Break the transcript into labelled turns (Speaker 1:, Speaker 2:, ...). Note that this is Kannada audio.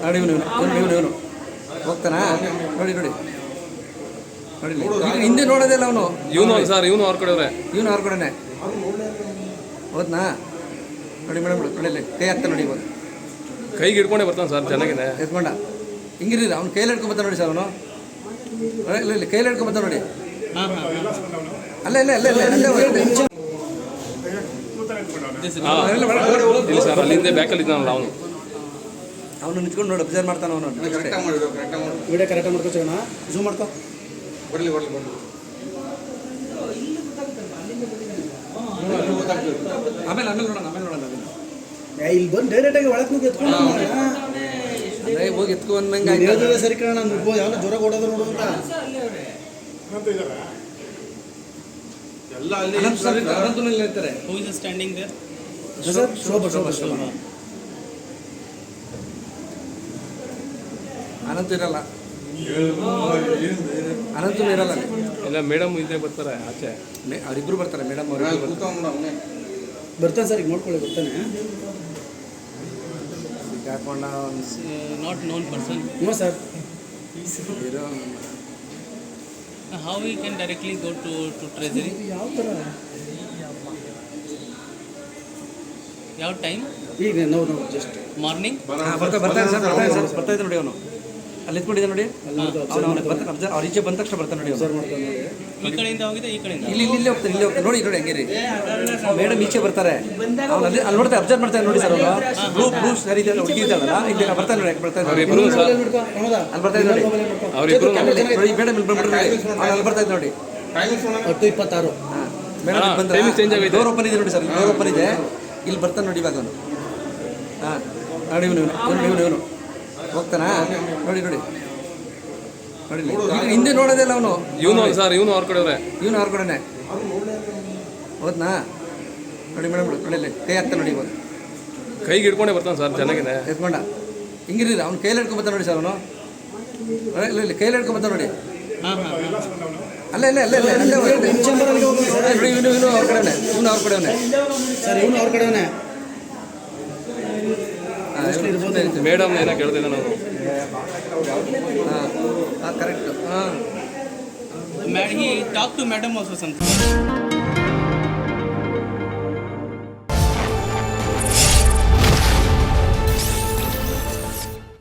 Speaker 1: ನೋಡಿ ಇವನು ಹೋಗ್ತಾನಾ? ನೋಡಿ ನೋಡಿ ನೋಡಿ ಹಿಂದೆ ನೋಡೋದಿಲ್ಲ ಅವನು.
Speaker 2: ಇವನು ಸರ್, ಇವನು ಅವ್ರ ಕಡೆ
Speaker 1: ಇವನು ಅವ್ರ ಕಡೆನೆ ಹೋದ್ನಾ? ನೋಡಿ ಮೇಡಮ್ ನೋಡಿ ಕೈ ಹಾಕ್ತಾನೆ ನೋಡಿ. ಇವಾಗ
Speaker 2: ಕೈಗೆ ಹಿಡ್ಕೊಂಡೇ ಬರ್ತಾನೆ ಸರ್, ಚೆನ್ನಾಗಿದೆ
Speaker 1: ಎತ್ಕೊಂಡ ಹಿಂಗಿರಿ. ಅವ್ನು ಕೈಯಲ್ಲಿ ಹಿಡ್ಕೊಂಬರ್ತಾನೆ ನೋಡಿ ಸರ್. ಅವನು ಇಲ್ಲ ಕೈಯಲ್ಲಿ ಹಿಡ್ಕೊಂಬರ್ತಾನೆ ನೋಡಿ. ಅಲ್ಲ ಇಲ್ಲ ಇಲ್ಲ ಇಲ್ಲ
Speaker 2: ಇಲ್ಲ ಸರ್, ಅಲ್ಲಿಂದ ಬ್ಯಾಕಲ್ಲಿ ಇದ್ದಾನಲ್ಲ
Speaker 1: ಅವನು ನಿಂತ್ಕೊಂಡು ನೋಡಿ ಅಬ್ಸರ್ವ್ ಮಾಡ್ತಾನೆ. ಅವನು
Speaker 3: ವಿಡಿಯೋ ಕರೆಕ್ಟಾಗಿ ಮಾಡ್ಕೋಣ, ಝೂಮ್ ಮಾಡ್ಕೊ.
Speaker 1: ಆಮೇಲೆ ನೋಡೋಣ
Speaker 3: ಇಲ್ಲಿ ಬಂದು ಡೈರೆಕ್ಟಾಗಿ ಒಳಗೆ ಹೋಗಿ ಎತ್ಕೊಂಡು
Speaker 1: ಹೋಗಿ ಎತ್ಕೊಂಡಂಗೆ
Speaker 3: ಸರಿ ಕಾರಣ ಯಾವ ಜ್ವರ ಕೊಡೋದು ನೋಡು ಅಂತ
Speaker 1: ಇರ್ತಾರೆ. ಅನಂತ ಇರಲ್ಲ, ಅನಂತ ಇರಲ್ಲ.
Speaker 2: ಇಲ್ಲ ಮೇಡಮ್ ಇದ್ದೇ ಬರ್ತಾರೆ ಆಚೆ,
Speaker 1: ಅವರಿಬ್ರು ಬರ್ತಾರೆ. ಮೇಡಮ್ ಅವರು
Speaker 3: ಬರ್ತಾನೆ ಸರ್, ಈಗ ನೋಡ್ಕೊಳ್ಳಿ ಬರ್ತಾನೆ.
Speaker 1: ಹಾಕೊಂಡ
Speaker 4: not known person.
Speaker 3: No sir.
Speaker 4: How we can directly go to treasury?
Speaker 3: ಯಾವ ಥರ
Speaker 4: ಯಾವ ಟೈಮ್?
Speaker 3: ಈಗ ನಾವು ಜಸ್ಟ್
Speaker 4: ಮಾರ್ನಿಂಗ್
Speaker 1: ಬರ್ತಾ ನೋಡಿ. ಅವನು ಅಲ್ಲಿ ಎತ್ಕೊಂಡಿದ್ದ ನೋಡಿ. ಅವ್ರ ಈಚೆ ಬಂದ ತಕ್ಷಣ ಬರ್ತಾನೆ ನೋಡಿ.
Speaker 4: ಈ ಕಡೆಯಿಂದ ಹೋಗಿದೆ, ಈ ಕಡೆಯಿಂದ
Speaker 1: ಇಲ್ಲಿ ಹೋಗ್ತಾನೆ. ಇಲ್ಲಿ ಹೋಗ್ತಾನೆ ನೋಡಿ ನೋಡಿ. ಹಂಗೆ ರೀ ಮೇಡಮ್ ಈಚೆ ಬರ್ತಾರೆ. ಅವ್ನು ಅಲ್ಲಿ ನೋಡ್ತಾ ಅಬ್ಸರ್ವ್ ಮಾಡ್ತಾನೆ ನೋಡಿ ಸರ್. ಅವನು ಬ್ಲೂ ಸರಿ ಹುಡುಗಿದ್ದಾಳಲ್ಲ, ಇಲ್ಲಿ ಬರ್ತಾನೆ ನೋಡಿ. ಬರ್ತಾನೆ ಅಲ್ಲಿ ಬರ್ತಾ ಇದ್ದ ನೋಡಿ. ನೋಡಿ ಮೇಡಮ್ ಇಲ್ಲಿ ಬಂದ್ಬಿಟ್ರೆ ಅಲ್ಲಿ ಬರ್ತಾ ಇದ್ದ ನೋಡಿ.
Speaker 3: 10:26
Speaker 1: ಮೇಡಮ್ ಬಂದ್ರೆ ಡೋರ್ ಓಪನ್ ಇದೆ ನೋಡಿ ಸರ್. ಡೋರ್ ಓಪನ್ ಇದೆ, ಇಲ್ಲಿ ಬರ್ತಾನೆ ನೋಡಿ. ಇವಾಗ ಅವನು ನೋಡಿ ಇವನು ಹೋಗ್ತಾನಾ? ನೋಡಿ ನೋಡಿ ನೋಡಿ ಹಿಂದೆ ನೋಡೋದಿಲ್ಲ ಅವನು.
Speaker 2: ಇವನು ಸರ್, ಇವನು ಅವ್ರ ಕಡೆ
Speaker 1: ಇವನು ಅವ್ರ ಕಡೆನೆ ಹೋದ್ನಾ? ನೋಡಿ ಮೇಡಮ್ ನೋಡಿ ಕೈ ಹಾಕ್ತಾನೆ ನೋಡಿ. ಇವಾಗ
Speaker 2: ಕೈಗೆ ಹಿಡ್ಕೊಂಡೇ ಬರ್ತಾನೆ ಸರ್, ಚೆನ್ನಾಗಿದೆ
Speaker 1: ಎತ್ಕೊಂಡ ಹಿಂಗಿರಿ. ಅವ್ನು ಕೈಯಲ್ಲಿ ಹಿಡ್ಕೊಂಬರ್ತಾನೆ ನೋಡಿ ಸರ್. ಅವನು ಇಲ್ಲ ಕೈಯಲ್ಲಿ ಹಿಡ್ಕೊಂಬರ್ತಾನೆ ನೋಡಿ. ಅಲ್ಲ ಇಲ್ಲ ಇಲ್ಲ ಇಲ್ಲ ಇವನು ಅವ್ರ ಕಡೆನೆ. ಇವನು ಅವ್ರ ಕಡೆವೇ
Speaker 3: ಸರ್, ಇವನು ಅವ್ರ ಕಡೆವೇ.
Speaker 2: ಮೇಡಮ್ ಏನೋ ಕೇಳ್ತಿದ್ದೆ ನಾನು.
Speaker 1: Correct.
Speaker 4: he talked to madam also something.